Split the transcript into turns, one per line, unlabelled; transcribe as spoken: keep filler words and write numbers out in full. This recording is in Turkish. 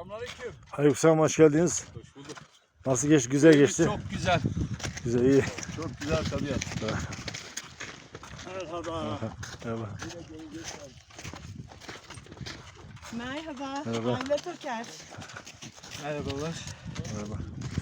Selamünaleyküm.
Aleykümselam, hoş geldiniz.
Hoş bulduk.
Nasıl geçti? Güzel geçti.
Çok güzel.
Güzel, iyi.
Çok güzel tabiat.
Merhaba.
Merhaba.
Merhaba.
Merhaba.
Ayla Toker.
Merhabalar.
Merhaba.